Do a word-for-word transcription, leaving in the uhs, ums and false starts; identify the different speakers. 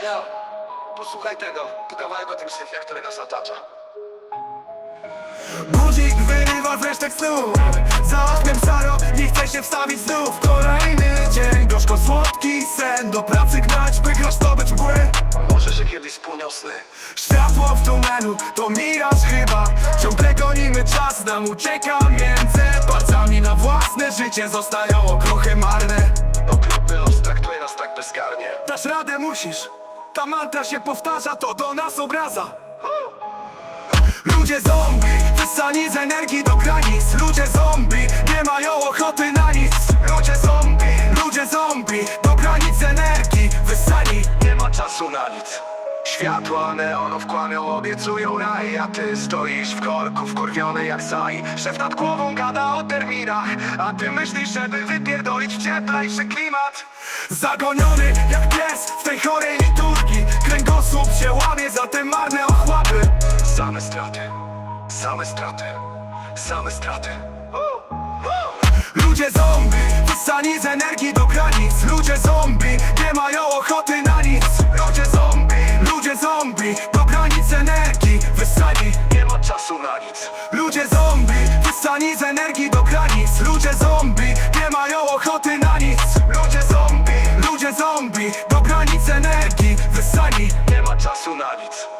Speaker 1: Ja, posłuchaj tego, to kawałek o tym syfie, który nas otacza.
Speaker 2: Budzik wyrywa z resztek snu. Za oknem szaro, nie chce się wstawić znów. Kolejny dzień, gorzko słodki sen. Do pracy gnać, by grasz to być mgły.
Speaker 1: Może się kiedyś spełnią sny.
Speaker 2: Światło w tunelu, to miraż chyba. Ciągle gonimy czas, nam ucieka między palcami. Na własne życie zostają okruchy marne.
Speaker 1: Okrutny los traktuje nas tak bezkarnie.
Speaker 2: Dasz radę, musisz. Ta mantra się powtarza, to do nas obraza. Ludzie zombie, wysani z energii do granic. Ludzie zombie, nie mają ochoty na nic. Ludzie zombie, ludzie zombie, do granic energii wysani.
Speaker 1: Nie ma czasu na nic. Światła neonów kłamią, obiecują raj. A ty stoisz w korku, wkurwiony jak saj. Szef nad głową gada o terminach, a ty myślisz, żeby wypierdolić w cieplejszy klimat.
Speaker 2: Zagoniony jak pies w tej chorej liturgii. Kręgosłup się łamie za te marne ochłapy.
Speaker 1: Same straty, same straty, same straty.
Speaker 2: Ludzie zombie, wysani z energii do granic. Ludzie zombie, nie mają ochoty na nic.
Speaker 1: Ludzie zombie,
Speaker 2: Ludzie zombie, do granic energii wysani.
Speaker 1: nie ma czasu na nic.
Speaker 2: Ludzie zombie, wysani z energii do granic. Ludzie zombie, nie mają ochoty na nic.
Speaker 1: Ludzie zombie,
Speaker 2: Ludzie zombie, do granic energii wysani.
Speaker 1: nie ma czasu na nic.